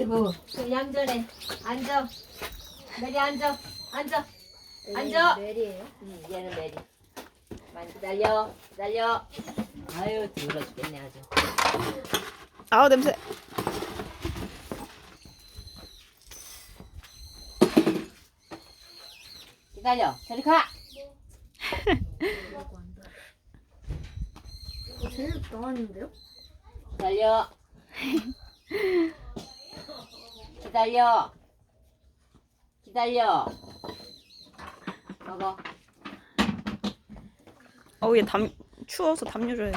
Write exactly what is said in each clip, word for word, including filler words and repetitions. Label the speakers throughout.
Speaker 1: 아이고, 좀 얌전해. 앉아. 메리 앉아. 앉아. 앉아.
Speaker 2: 메리예요?
Speaker 1: 응, 얘는 메리. 많이 기다려. 기다려. 아유, 더러 죽겠네 아주.
Speaker 3: 아우 냄새.
Speaker 1: 기다려. 저리 가.
Speaker 2: 제일 나왔는데요?
Speaker 1: 기다려. 기다려. 기다려. 먹어.
Speaker 3: 어우 얘 담 추워서 담요 줘야 돼.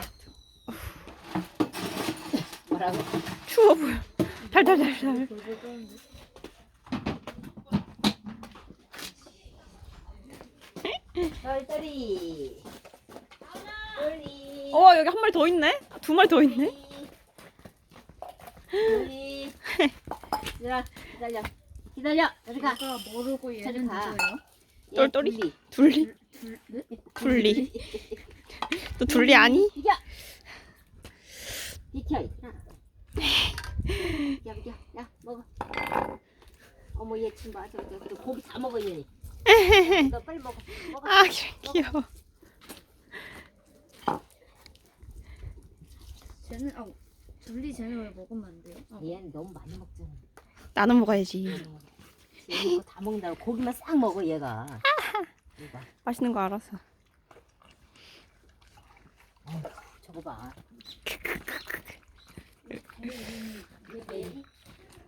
Speaker 1: 뭐라고?
Speaker 3: 추워 보여. 달달달달.
Speaker 2: 돌돌 떠는데.
Speaker 1: 똘똘이. 똘리.
Speaker 3: 어 여기 한 마리 더 있네. 두 마리 더 있네.
Speaker 1: 똘리. 기다려. 기다려. 기다려. 저리 가.
Speaker 2: 얘가 모르고 얘는
Speaker 1: 저리 가.
Speaker 2: 누구예요?
Speaker 1: 얘
Speaker 3: 똘똘이?
Speaker 1: 둘리.
Speaker 3: 둘리?
Speaker 2: 둘, 네?
Speaker 3: 둘리. 또 둘리 아니?
Speaker 1: 비켜. 비켜. 비켜 비켜. 야 먹어. 어머 얘 친구 아주 저 고기 다 먹어 얘. 너 빨리 먹어. 먹어.
Speaker 3: 아 귀여워.
Speaker 2: 쟤는 아 둘리 쟤는 왜 먹으면 안 돼요? 아,
Speaker 1: 얘는 너무 많이 먹잖아.
Speaker 3: 나눠 먹어야지.
Speaker 1: 얘 이거 다 먹는다고 고기만 싹 먹어 얘가. 이거
Speaker 3: 맛있는 거 알아서.
Speaker 1: 저거 봐. 얘 메리.